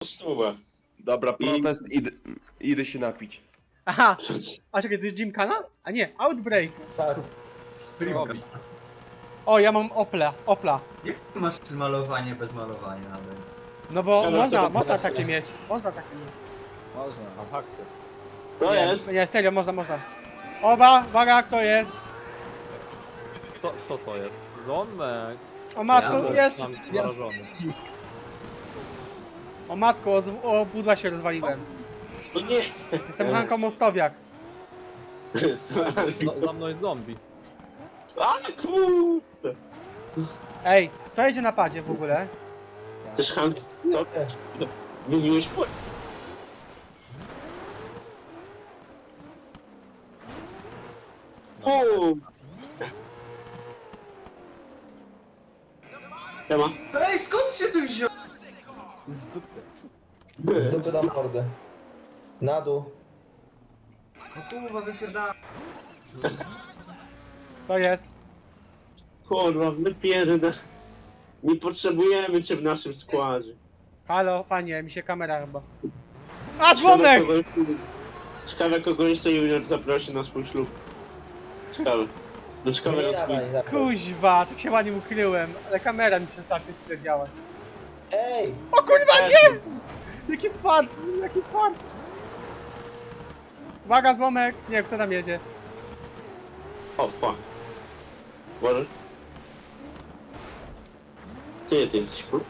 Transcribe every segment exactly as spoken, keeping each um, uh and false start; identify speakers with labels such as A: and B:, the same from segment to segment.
A: stówę.
B: Dobra, protest, idę, idę się napić.
C: Aha, a czekaj, to jest Gymkhana? A nie, Outbreak.
D: Tak.
E: Robi.
C: O, ja mam Opla, Opla.
E: Jak ty masz malowanie bez malowania nawet?
C: No bo
A: Dobra,
C: można,
A: to-
C: można takie mieć. Można takie mieć.
F: Można, mam haksy.
A: To
C: Nie,
A: jest.
C: Nie, serio, można, można. Oba, uwaga, kto jest?
F: Co, co to jest? Zomek.
C: O matko,
E: Ja
C: jest!
F: Mam zarażony.
C: O matko, o, z- o pudła się rozwaliłem.
A: O nie.
C: Jestem Hanko Mostowiak.
F: No, za mną jest zombie.
A: A kurde.
C: Ej, kto jedzie na padzie w ogóle?
A: Też Hank, to wymieniłeś płyn. O! Siema.
E: Ej, skąd się tu wziął?
D: Z dupy. Z dupy na mordę. Na dół.
E: No kurwa, wypierdala.
C: Co jest?
A: Kurwa, wypierdę. Nie potrzebujemy cię w naszym składzie.
C: Halo, fajnie, mi się kamera chyba. A, dzwonek!
A: Ciekawe, kogo- Ciekawe kogo jeszcze Junior zaprosi na swój ślub. Ciekawe. No ciekawe
D: Nie
A: na swój...
D: dawaj, dawaj.
C: Kuźwa, tak się ładnie ukryłem, ale kamera mi przestaje tyle działać.
D: Ej!
C: O kurwa, nie! Jaki fart, jaki fart! Uwaga, złomek! Nie, kto tam jedzie?
A: O, fuck. Może? Ty, ty jesteś kur...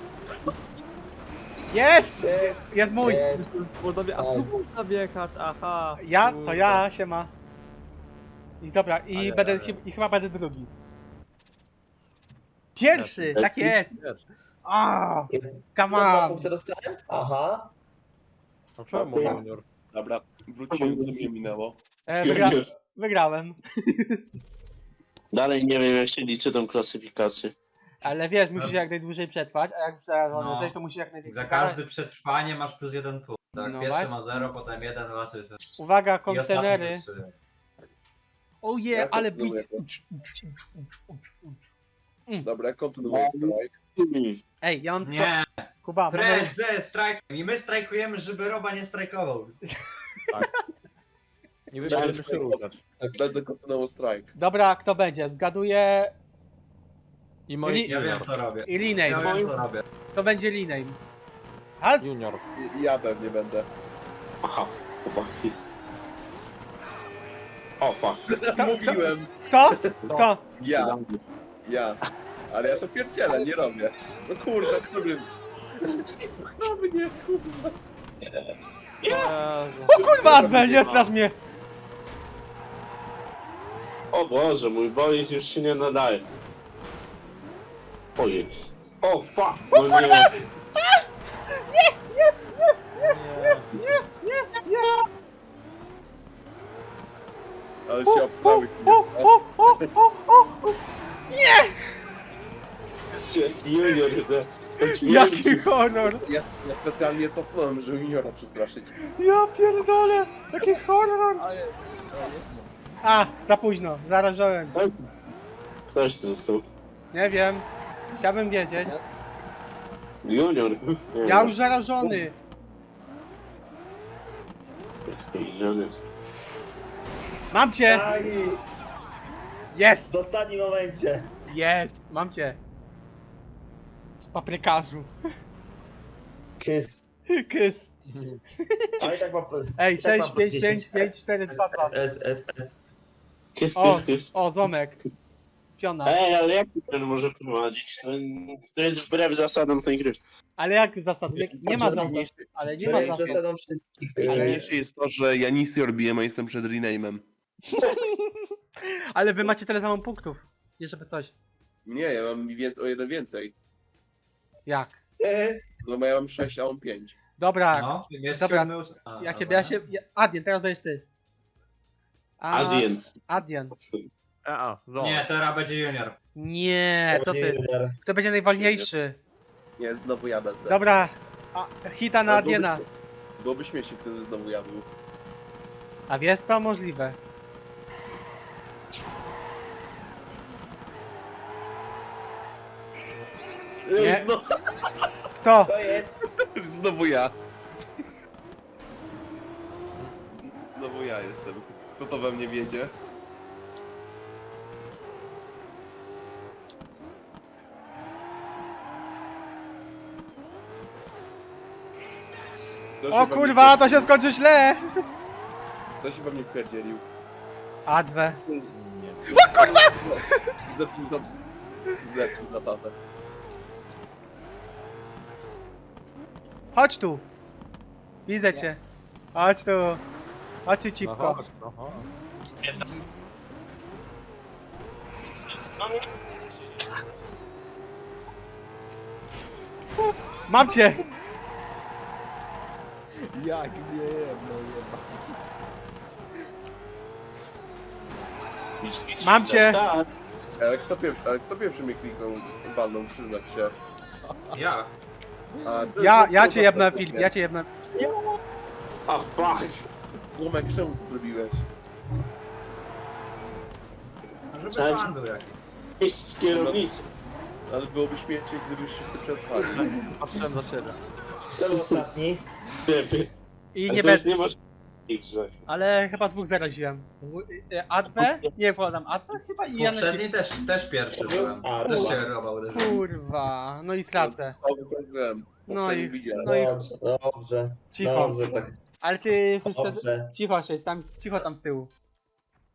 C: Jest!
D: Ej!
C: Jest mój!
D: Ej!
F: Podobie, a tu można wjechać, aha.
C: Ja, to
F: kurde.
C: ja, siema. I dobra, i
F: Ale-
C: będę,
F: ale-
C: chy- i chyba będę drugi. Pierwszy,
A: Ja-
C: tak jest!
F: Wiesz,
C: A,
D: Jest.
C: come
D: Dwa
C: on!
D: punkty dostałem? Aha.
F: a czemu junior?
B: Dobra, wróciłem, co mnie minęło.
C: E, wygra
A: Junior.
C: wygrałem.
A: Dalej nie wiem jak się liczy tą klasyfikację.
C: Ale wiesz, musisz jak najdłużej przetrwać, a jak zarażony
E: No.
C: jesteś, to musisz jak najwięcej
E: Za każde przetrwanie masz plus jeden punkt. Tak,
C: No
E: pierwszy
C: właśnie.
E: ma zero, potem jeden, dwa, trzy, cztery.
C: Uwaga,
E: I ostatni
C: kontenery.
E: plus trzy.
C: O je,
B: Ja
C: ale
B: kontynuuję
C: bit.
B: to.
C: Ucz, ucz, ucz, ucz, ucz, ucz.
B: Dobra, kontynuuję strajk.
A: Hmm.
C: Ej, ja mam tylko...
E: Nie,
C: Kuba,
E: precz
C: moment.
E: ze strajkiem. I my strajkujemy, żeby Roba nie strajkował.
F: Nie będziemy się ruszać.
B: Będę kontynuował strajk.
C: Dobra, kto będzie? Zgaduję...
F: I moi
C: Li-
E: Ja wiem
F: junior.
E: co robię.
C: I
E: Ja
C: rename.
E: wiem co robię.
C: To będzie rename. A?
F: Junior.
B: I- Ja pewnie będę.
A: Aha, chłopaki. O, fuck.
B: Mówiłem!
C: Kto? Kto?
B: Ja, ja. Ale ja to pierdzielę, nie robię. No kurde, którym? Na mnie, kurwa.
F: Jezu.
C: O kurwa, Adbel, nie strasz mnie!
A: O Boże, mój bolid już się nie nadaje. Ojej. O, fuck. No nie.
F: Nie.
B: Ale się obstawy.
C: O, o, o, o, o, o.
A: Junior, to...
C: Jaki honor!
B: Ja, ja specjalnie cofnąłem, żeby juniora przestraszyć.
C: Ja pierdolę! Jaki honor!
B: Ale...
C: A, za późno, zarażałem.
A: Ktoś tu został.
C: Nie wiem. Chciałbym wiedzieć.
A: Junior. Nie
C: Ja
A: wiem.
C: już zarażony.
A: Junior.
C: Mam cię!
D: Aj!
C: Jest!
D: W ostatnim momencie.
C: Jest! Mam cię! Z paprykarzu.
D: Kiss.
C: Kys.
D: Ale tak mam plus.
C: Ej,
D: tak mam
C: sześć,
D: plus
C: pięć, pięć,
D: dziesięć.
C: pięć, cztery, dwa, dwa.
D: S, S, S.
A: Kiss,
C: O,
A: kiss, kiss.
C: o, zomek. Piona.
A: Ej, ale jak ten może wprowadzić? To, to jest wbrew zasadom tej gry.
C: Ale jak zasad? Nie, nie ma zasad.
B: Najważniejsze-
C: Ale nie ma
D: Czyli
C: zasad.
D: zasadą wszystkich.
B: Najważniejsze jest to, że ja nic nie robiłem, a jestem przed rename'em.
C: Ale wy macie tyle samo punktów. Nie żeby coś.
B: Nie, ja mam więcej, o jeden więcej.
C: Jak?
D: E,
B: No bo ja mam sześć, a on pięć.
C: Dobra,
E: No, jest
C: Dobra,
E: siódmy, ós- A,
C: ja
E: dobra.
C: ciebie, ja się... Ja, Adien, teraz będziesz ty. A,
A: Adien.
C: Adien.
F: A, no.
E: Nie, teraz będzie junior.
C: Nie, co ty? Kto będzie najwolniejszy?
B: Nie, znowu ja będę.
C: Dobra, a, hita na
B: Ale byłoby-
C: Adiena.
B: Byłoby śmiesznie, gdyby znowu ja był.
C: A wiesz co? Możliwe. Nie.
B: Znowu,
C: Kto?
D: To jest.
B: Znowu ja. Z- Znowu ja jestem. Kto to we mnie wiedzie? Kto się
C: O
B: we
C: kurwa,
B: mnie-
C: to się skończy źle!
B: Kto się we mnie wpierdzielił?
C: Adwę.
F: Nie.
B: Zepsuł za... Zepsuł zabawę.
C: Chodź tu. Widzę cię. Chodź tu. Chodź tu,
F: No
C: cipko.
F: chodź, no chodź.
C: Mam cię!
D: Jak nie no jeba.
A: Idź, idź,
C: Mam
A: idź,
C: cię.
A: Tak.
B: Ale kto pierwszy, ale kto pierwszy mnie kliknął walną, przyznać się.
E: Ja.
B: A, ty-
C: Ja,
B: ty-
C: ja
B: ty-
C: cię jebnę
B: ty-
C: film, ja cię jebnę.
A: A fuck.
B: Złomek, czemu to zrobiłeś?
E: Żeby
A: Cześć.
E: pan był jakiś.
A: Iść z kierownicy.
B: Ale byłoby śmiesznie, gdybyś wszyscy przetrwali.
F: Patrzyłem za siebie.
D: To był ostatni.
A: Lepiej.
C: I
A: Ale
C: nie
A: to jest
C: bez...
A: nie masz ich grzech.
C: Ale chyba dwóch zaraziłem. E, Adwę? Nie, podam Adwę chyba i ja na
E: Poprzedni też, też pierwszy byłem.
D: A,
E: Też
D: dobra.
E: się roba uderzył.
C: Kurwa, no i stracę.
B: O, tak wiem.
C: No i-
B: widziałem.
C: No i-
D: Dobrze, dobrze.
C: Cicho.
D: Dobrze, tak.
C: Ale ty jesteś wtedy...
D: Dobrze.
C: Cicho siedź, tam, cicho tam z tyłu.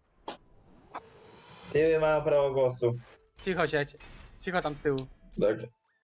D: Ty ma prawo głosu.
C: Cicho siedź. Cicho tam z tyłu.
D: Tak.